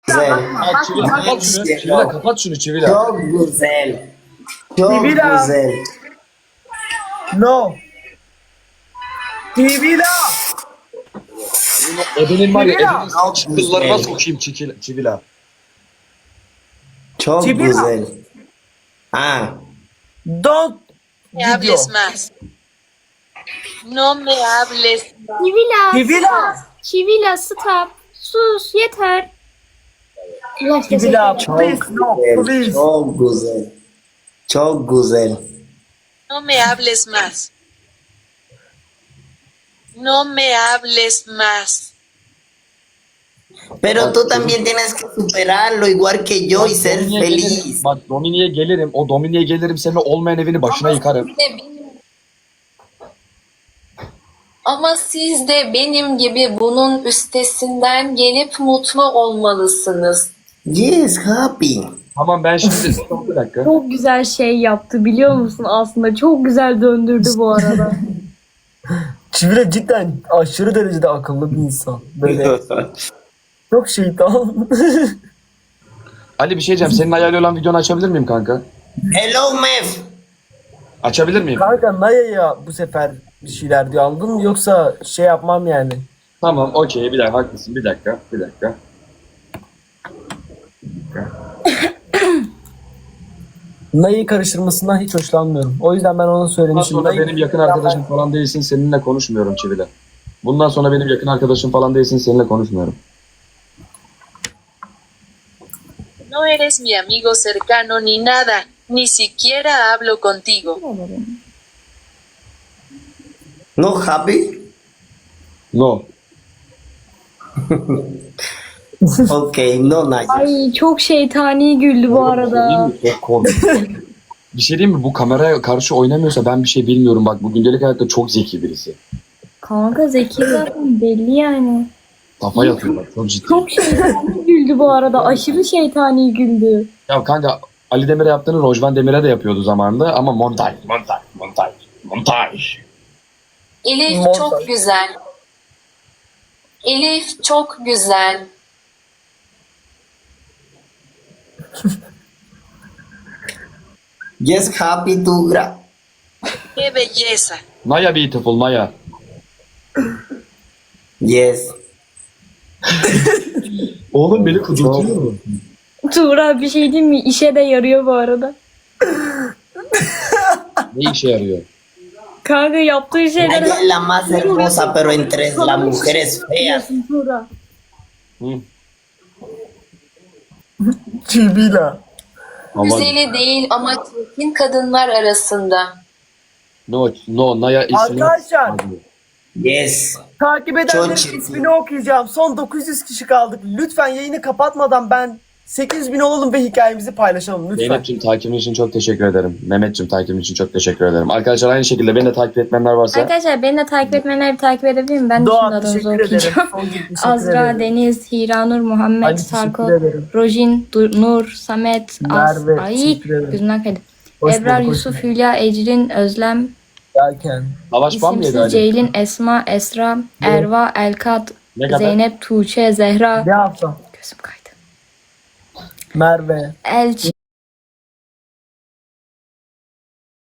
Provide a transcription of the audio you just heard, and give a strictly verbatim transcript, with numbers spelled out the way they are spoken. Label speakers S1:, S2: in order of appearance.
S1: Güzel.
S2: Ha, Çivila kapat şunu. Çivila kapat şunu Çivila.
S1: Çok güzel. Çok
S3: Sibila.
S1: güzel.
S3: No. Sibila.
S2: Ebenin var ya
S3: Çivila.
S2: ebenin çıkıllarına sokayım Çivila. Çivila.
S1: Çok
S3: Sibila.
S1: güzel. Ah,
S3: Don't
S4: me hables más. No me hables más.
S5: Çivila.
S3: Sibila.
S5: Çivila stop. Sus yeter. Allah
S3: Sibila.
S1: çok
S3: Please no.
S1: güzel.
S3: Please.
S1: Çok güzel. Çok güzel.
S4: No me hables más. No me hables más.
S1: Pero tú también tienes que superarlo igual que yo y ser
S2: Domini'ye
S1: feliz.
S2: gelirim. Bak Domini'ye gelirim. O Domini'ye gelirim. Senin olmayan evini başına yıkarım.
S6: Ama siz de benim gibi bunun üstesinden gelip mutlu olmalısınız.
S1: Yes, happy.
S2: Tamam ben şimdi bir dakika.
S5: Çok güzel şey yaptı biliyor musun aslında? Çok güzel döndürdü bu arada.
S3: Çivila cidden aşırı derecede akıllı bir insan. Böyle çok şeytan.
S2: Ali bir şey diyeceğim. Senin hayali olan videonu açabilir miyim kanka?
S1: Hello, Mev.
S2: Açabilir miyim?
S3: Kanka Naya'ya bu sefer bir şeyler diyor anladın mı? Yoksa şey yapmam yani.
S2: Tamam okey bir dakika haklısın. Bir dakika. Bir dakika.
S3: Naya'yı karıştırmasından hiç hoşlanmıyorum. O yüzden ben ona
S2: Bundan
S3: söylemişim.
S2: sonra
S3: Naya'yı-
S2: benim yakın arkadaşım falan değilsin. Seninle konuşmuyorum Çivile. Bundan sonra benim yakın arkadaşım falan değilsin. Seninle konuşmuyorum.
S4: No eres mi amigo cercano ni nada. Ni siquiera hablo contigo.
S1: No happy?
S2: No.
S1: Okay, no nice.
S5: Ay çok şeytani güldü bu arada.
S2: Çok komik. Bir şey diyeyim mi? Bu kameraya karşı oynamıyorsa ben bir şey bilmiyorum. Bak bu gündelik hayatta çok zeki birisi.
S5: Kanka zeki zaten belli yani.
S2: Kafa yatıyor bak çok ciddi.
S5: Çok şeytani güldü bu arada. Aşırı şeytani güldü.
S2: Ya kanka Ali Demir'e yaptığını Rojvan Demir'e de yapıyordu zamanında ama montaj, montaj, montaj, montaj.
S6: Elif
S3: Montaj.
S6: çok güzel. Elif çok güzel.
S1: Yes, happy to gra.
S4: ¡Qué belleza!
S2: Naya beautiful, Naya.
S1: Yes.
S2: Oğlum beni kudurtuyor mu?
S5: Tuğra bir şey diyeyim mi? İşe de yarıyor bu arada.
S2: Ne işe yarıyor?
S5: Kanka yaptığı şeyler...
S1: Ella es la más hermosa, pero entre las mujeres feas.
S5: Biliyorsun Tuğra.
S2: Hı?
S3: Çivila.
S2: Ama
S6: Güzeli değil ama çirkin kadınlar arasında.
S2: no, no, Naya ismini...
S3: Arkadaşlar.
S1: Yes.
S3: Takip
S1: Çok
S3: edenlerin
S1: çirkin.
S3: ismini okuyacağım. Son dokuz yüz kişi kaldık. Lütfen yayını kapatmadan ben sekiz bin olalım ve hikayemizi paylaşalım lütfen.
S2: Zeynep'ciğim takibin için çok teşekkür ederim. Mehmet'ciğim takibin için çok teşekkür ederim. Arkadaşlar aynı şekilde beni de takip etmeyenler varsa...
S5: Arkadaşlar beni de takip etmeyenler bir takip edebilir mi? Ben de şimdi
S3: Doğa
S5: adınızı
S3: teşekkür ederim.
S5: okuyacağım.
S3: Son gün teşekkür
S5: Azra,
S3: ederim.
S5: Deniz, Hiranur, Muhammed,
S3: Ali,
S5: Sarko,
S3: teşekkür ederim.
S5: Rojin, Du- Nur, Samet, As,
S3: Merve,
S5: Ay,
S3: teşekkür ederim.
S5: gözümden kaydı.
S3: Hoş
S5: Ebrar,
S3: bulduk, hoş
S5: Yusuf, Hülya, Ecrin, Özlem,
S3: Derken.
S2: Savaş ban mı yedi
S5: İsimsiz,
S2: Ali?
S5: Ceylin, Esma, Esra, Erva, Elkat,
S2: Ne kadar?
S5: Zeynep, Tuğçe, Zehra.
S3: Ne yapsam?
S5: Gözüm kaydı.
S3: Merve.
S5: Elçi,